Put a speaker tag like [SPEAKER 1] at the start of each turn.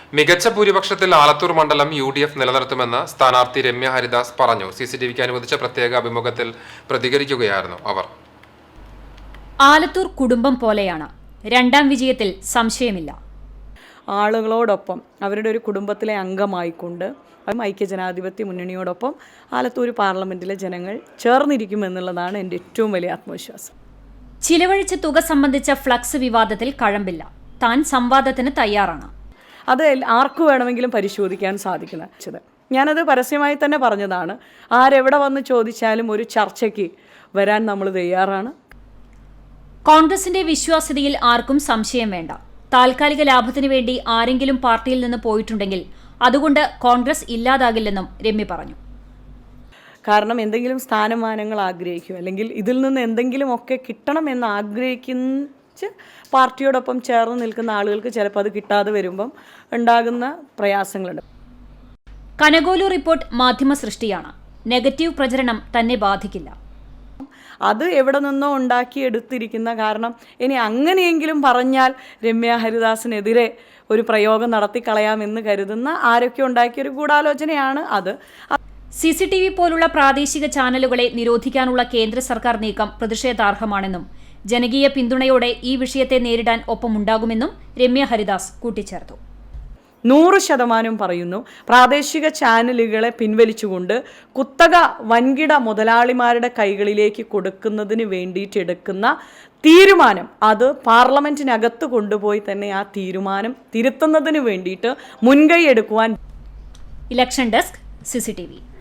[SPEAKER 1] മികച്ച ഭൂരിപക്ഷത്തിൽ ആലത്തൂർ മണ്ഡലം UDF നിലനിർത്തുമെന്ന് സ്ഥാനാർത്ഥി രമ്യ ഹരിദാസ് പറഞ്ഞു. CCTVക്ക് അനുവദിച്ച പ്രത്യേക അഭിമുഖത്തിൽ പ്രതികരിക്കുകയായിരുന്നു അവർ.
[SPEAKER 2] ആലത്തൂർ കുടുംബം പോലെയാണ്. രണ്ടാം വിജയത്തിൽ സംശയമില്ല.
[SPEAKER 3] ആളുകളോടൊപ്പം അവരുടെ ഒരു കുടുംബത്തിലെ അംഗമായിക്കൊണ്ട് ഐക്യജനാധിപത്യ മുന്നണിയോടൊപ്പം ആലത്തൂർ പാർലമെന്റിലെ ജനങ്ങൾ ചേർന്നിരിക്കുമെന്നുള്ളതാണ് എൻ്റെ ഏറ്റവും വലിയ ആത്മവിശ്വാസം.
[SPEAKER 2] ചിലവഴിച്ച തുക സംബന്ധിച്ച ഫ്ലക്സ് വിവാദത്തിൽ കഴമ്പില്ല. താൻ സംവാദത്തിന് തയ്യാറാണ്.
[SPEAKER 3] അത് ആർക്കു വേണമെങ്കിലും പരിശോധിക്കാൻ സാധിക്കുന്നത്. ഞാനത് പരസ്യമായി തന്നെ പറഞ്ഞതാണ്. ആരെവിടെ വന്ന് ചോദിച്ചാലും ഒരു ചർച്ചയ്ക്ക് വരാൻ നമ്മൾ തയ്യാറാണ്.
[SPEAKER 2] കോൺഗ്രസിന്റെ വിശ്വാസ്യതയിൽ ആർക്കും സംശയം വേണ്ട. താൽക്കാലിക ലാഭത്തിനു വേണ്ടി ആരെങ്കിലും പാർട്ടിയിൽ നിന്ന് പോയിട്ടുണ്ടെങ്കിൽ അതുകൊണ്ട് കോൺഗ്രസ് ഇല്ലാതാകില്ലെന്നും രമ്യ പറഞ്ഞു.
[SPEAKER 3] കാരണം എന്തെങ്കിലും സ്ഥാനമാനങ്ങൾ ആഗ്രഹിക്കും, അല്ലെങ്കിൽ ഇതിൽ നിന്ന് എന്തെങ്കിലുമൊക്കെ കിട്ടണമെന്ന് ആഗ്രഹിക്കുന്ന പാർട്ടിയോടൊപ്പം ചേർന്ന് നിൽക്കുന്ന ആളുകൾക്ക് ചിലപ്പോൾ അത് കിട്ടാതെ വരുമ്പം ഉണ്ടാകുന്ന പ്രയാസങ്ങളുണ്ട്.
[SPEAKER 2] കനകോലു റിപ്പോർട്ട് മാധ്യമ സൃഷ്ടിയാണ്. നെഗറ്റീവ് പ്രചരണം തന്നെ ബാധിക്കില്ല.
[SPEAKER 3] അത് എവിടെ നിന്നോ ഉണ്ടാക്കിയെടുത്തിരിക്കുന്ന, കാരണം ഇനി അങ്ങനെയെങ്കിലും പറഞ്ഞാൽ രമ്യ ഹരിദാസിനെതിരെ ഒരു പ്രയോഗം നടത്തിക്കളയാമെന്ന് കരുതുന്ന ആരൊക്കെ ഉണ്ടാക്കിയൊരു ഗൂഢാലോചനയാണ് അത്.
[SPEAKER 2] CCTV പോലുള്ള പ്രാദേശിക ചാനലുകളെ നിരോധിക്കാനുള്ള കേന്ദ്ര സർക്കാർ നീക്കം പ്രതിഷേധാർഹമാണെന്നും ജനകീയ പിന്തുണയോടെ ഈ വിഷയത്തെ നേരിടാൻ ഒപ്പമുണ്ടാകുമെന്നും രമ്യ ഹരിദാസ് കൂട്ടിച്ചേർത്തു.
[SPEAKER 3] 100% പറയുന്നു, പ്രാദേശിക ചാനലുകളെ പിൻവലിച്ചുകൊണ്ട് കുത്തക വൻകിട മുതലാളിമാരുടെ കൈകളിലേക്ക് കൊടുക്കുന്നതിന് വേണ്ടിയിട്ടെടുക്കുന്ന തീരുമാനം, അത് പാർലമെന്റിനകത്ത് കൊണ്ടുപോയി തന്നെ ആ തീരുമാനം തിരുത്തുന്നതിന് വേണ്ടിയിട്ട് മുൻകൈ എടുക്കുവാൻ.
[SPEAKER 2] Election desk CCTV.